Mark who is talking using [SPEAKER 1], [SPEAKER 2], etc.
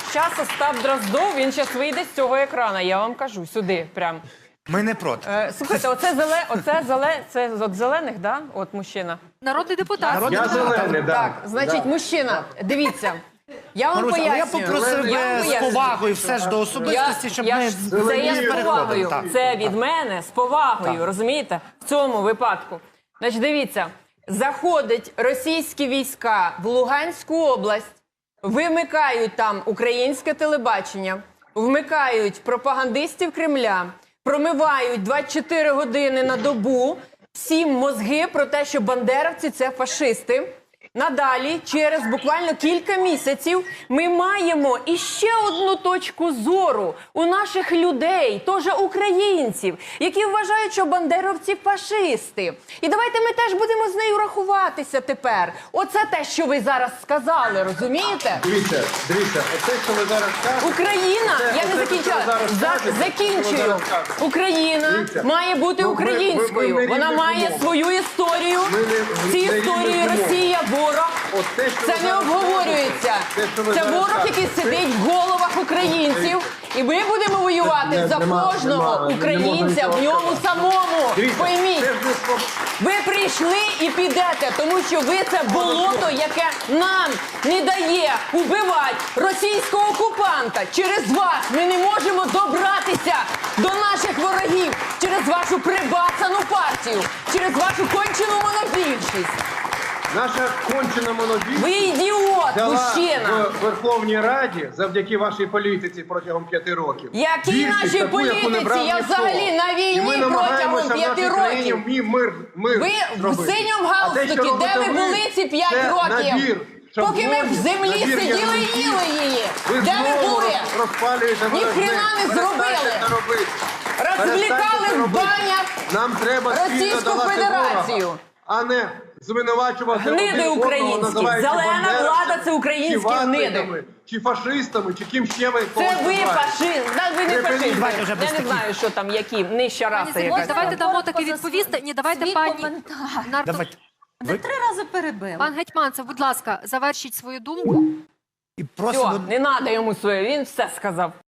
[SPEAKER 1] час Остап Дроздов, він зараз вийде з цього екрана, я вам кажу, сюди прям.
[SPEAKER 2] Ми не проти.
[SPEAKER 1] Слухайте, це від зелених, да? От мужчина.
[SPEAKER 3] Народний депутат.
[SPEAKER 2] Народний
[SPEAKER 4] Я
[SPEAKER 2] депутат.
[SPEAKER 4] зелений, да.
[SPEAKER 1] Так, значить, мужчина, дивіться, я вам
[SPEAKER 2] Маруся, але я
[SPEAKER 1] пояснюю.
[SPEAKER 2] попросив
[SPEAKER 1] Я вам
[SPEAKER 2] би з
[SPEAKER 1] пояснюю.
[SPEAKER 2] повагою все ж до особистості, щоб ми
[SPEAKER 1] Це я з
[SPEAKER 2] переходили.
[SPEAKER 1] повагою.
[SPEAKER 2] Так.
[SPEAKER 1] Це від мене з повагою,
[SPEAKER 2] Так.
[SPEAKER 1] розумієте? В цьому випадку. Значить, дивіться, заходять російські війська в Луганську область, вимикають там українське телебачення, вмикають пропагандистів Кремля, промивають 24 години на добу всім мозги про те, що бандеровці – це фашисти. Надалі, через буквально кілька місяців, ми маємо іще одну точку зору у наших людей, теж українців, які вважають, що бандеровці фашисти. І давайте ми теж будемо з нею рахуватися тепер. Оце те, що ви зараз сказали, розумієте?
[SPEAKER 4] Дивіться, оце, що ви зараз кажете...
[SPEAKER 1] Україна, я не закінчила, закінчую. Україна
[SPEAKER 4] Дивіться.
[SPEAKER 1] має бути
[SPEAKER 4] Ну,
[SPEAKER 1] українською.
[SPEAKER 4] ми
[SPEAKER 1] Вона
[SPEAKER 4] не
[SPEAKER 1] має
[SPEAKER 4] рівних
[SPEAKER 1] свою історію.
[SPEAKER 4] Ми
[SPEAKER 1] Ці
[SPEAKER 4] не
[SPEAKER 1] історії
[SPEAKER 4] рівних умов.
[SPEAKER 1] Росія ворог.
[SPEAKER 4] От те, що
[SPEAKER 1] Це
[SPEAKER 4] ви
[SPEAKER 1] не
[SPEAKER 4] зараз
[SPEAKER 1] обговорюється.
[SPEAKER 4] кажете, те, що ви
[SPEAKER 1] Це
[SPEAKER 4] зараз
[SPEAKER 1] ворог,
[SPEAKER 4] кажете,
[SPEAKER 1] який сидить в головах українців. І ми будемо воювати за кожного українця в ньому самому.
[SPEAKER 4] Дивіться,
[SPEAKER 1] Пойміть.
[SPEAKER 4] це ж не спо-
[SPEAKER 1] Ви прийшли і підете, тому що ви це болото, яке нам не дає убивати російського окупанта. Через вас ми не можемо добратися до наших ворогів, через вашу прибацану партію, через вашу кончену монобільшість.
[SPEAKER 4] Наша кончена монобільшість
[SPEAKER 1] Ви ідіот,
[SPEAKER 4] дала
[SPEAKER 1] мужчина.
[SPEAKER 4] в Верховній Раді завдяки вашій політиці протягом 5 років.
[SPEAKER 1] Які
[SPEAKER 4] Більшість
[SPEAKER 1] наші
[SPEAKER 4] таку, яку не
[SPEAKER 1] політиці?
[SPEAKER 4] брав
[SPEAKER 1] Я
[SPEAKER 4] ніхто.
[SPEAKER 1] взагалі на
[SPEAKER 4] І
[SPEAKER 1] війні
[SPEAKER 4] ми
[SPEAKER 1] протягом
[SPEAKER 4] намагаємося в
[SPEAKER 1] 5
[SPEAKER 4] нашій країні
[SPEAKER 1] років.
[SPEAKER 4] мир
[SPEAKER 1] Ви в
[SPEAKER 4] зробити.
[SPEAKER 1] синьому
[SPEAKER 4] А те, що
[SPEAKER 1] галстукі, де
[SPEAKER 4] робите
[SPEAKER 1] ви були ці 5
[SPEAKER 4] це
[SPEAKER 1] років?
[SPEAKER 4] набір
[SPEAKER 1] Поки ми в
[SPEAKER 4] шаблонів,
[SPEAKER 1] землі
[SPEAKER 4] набір
[SPEAKER 1] сиділи і
[SPEAKER 4] ярликів.
[SPEAKER 1] їли її.
[SPEAKER 4] Ви
[SPEAKER 1] Де ви
[SPEAKER 4] знову
[SPEAKER 1] були?
[SPEAKER 4] розпалюєте
[SPEAKER 1] Ні хрена не
[SPEAKER 4] Перестаньте
[SPEAKER 1] зробили.
[SPEAKER 4] це робити.
[SPEAKER 1] Розвлікали
[SPEAKER 4] Перестаньте це
[SPEAKER 1] в
[SPEAKER 4] робити.
[SPEAKER 1] банях
[SPEAKER 4] Нам треба спільно
[SPEAKER 1] Російську
[SPEAKER 4] долати
[SPEAKER 1] Федерацію.
[SPEAKER 4] ворога, а не звинувачувати
[SPEAKER 1] Гниди
[SPEAKER 4] один одного,
[SPEAKER 1] українські.
[SPEAKER 4] називаючи
[SPEAKER 1] Зелена
[SPEAKER 4] бандеровцями,
[SPEAKER 1] влада – це українські
[SPEAKER 4] чи ватниками,
[SPEAKER 1] гниди.
[SPEAKER 4] чи фашистами, чи ким ще ви
[SPEAKER 1] Це
[SPEAKER 4] когось
[SPEAKER 1] ви
[SPEAKER 4] називаєте.
[SPEAKER 1] фашист. Да, ви не
[SPEAKER 4] Ви
[SPEAKER 1] фашисти.
[SPEAKER 2] давайте вже без
[SPEAKER 1] Я не
[SPEAKER 2] таких.
[SPEAKER 1] знаю, що там, які, нижча раса
[SPEAKER 3] Пані
[SPEAKER 1] якась.
[SPEAKER 3] давайте дамо
[SPEAKER 5] Коротко
[SPEAKER 3] таки
[SPEAKER 5] за
[SPEAKER 3] відповісти. Ні, давайте
[SPEAKER 5] свій
[SPEAKER 3] пані
[SPEAKER 5] коментар.
[SPEAKER 2] Давайте.
[SPEAKER 5] Ви 3 рази перебив.
[SPEAKER 3] Пан Гетьманцев, будь ласка, завершіть свою думку.
[SPEAKER 2] І
[SPEAKER 1] Все,
[SPEAKER 2] просимо
[SPEAKER 1] не треба йому своє, він все сказав.